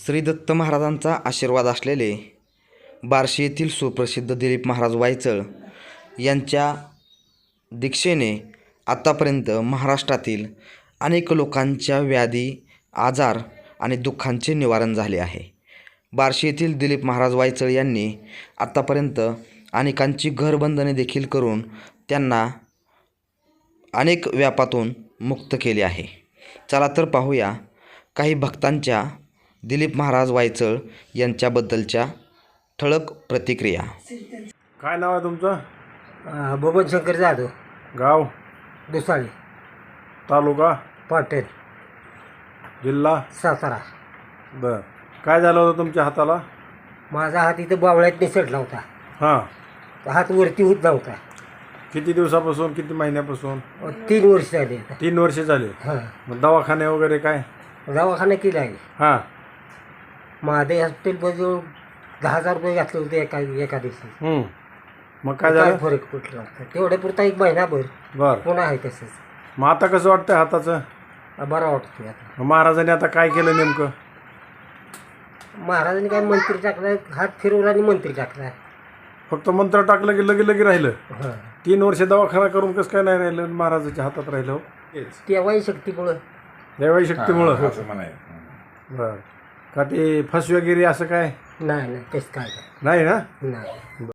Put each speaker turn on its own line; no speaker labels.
श्री दत्त महाराजांचा आशीर्वाद असलेले बार्शी येथील सुप्रसिद्ध दिलीप महाराज वायचळ यांच्या दीक्षेने आतापर्यंत महाराष्ट्रातील अनेक लोकांच्या व्याधी, आजार आणि दुःखांचे निवारण झाले आहे. बार्शी येथील दिलीप महाराज वायचळ यांनी आतापर्यंत अनेकांची घरबंधने देखील करून त्यांना अनेक व्यापातून मुक्त केले आहे. चला तर पाहूया काही भक्तांच्या दिलीप महाराज वायचळ यांच्याबद्दलच्या ठळक प्रतिक्रिया.
काय नाव आहे तुमचं?
बबन शंकर जाधव,
गाव?
दुसाळी,
तालुका?
पाटेल,
जिल्हा?
सातारा.
बरं. काय झालं होतं तुमच्या हाताला?
माझा हात इथं बावळ्यात निसटला होता.
हां.
हात वरती होत नव्हता.
किती दिवसापासून, किती महिन्यापासून?
3 वर्ष झाली आता.
3 वर्षे झाले.
हां,
मग दवाखाने वगैरे काय?
दवाखाना केला आहे.
हां.
महादेव हॉस्पिटल जवळ 10,000 रुपये घातले होते एका दिवशी.
मग काय झालं?
फरक पडला होता तेवढ्या पुरता 1 महिनाभर.
बरं.
पुन्हा आहे तसंच.
मग आता कसं वाटतंय हाताचं?
बरा वाटतोय आता.
मग महाराजांनी आता काय केलं नेमकं?
महाराजांनी काय मंत्री टाकला, हात फिरवला आणि मंत्री टाकला.
फक्त मंत्र टाकलं की लगे राहिलं?
हां.
3 वर्ष दवाखाना करून कसं काय नाही राहिलं? महाराजाच्या हातात राहिलं हो?
तेव्हाही शक्तीमुळं,
देवाई शक्तीमुळं. बरं. का ते फसवेगिरी असं काय
नाही तसं काय
नाही ना?
नाही.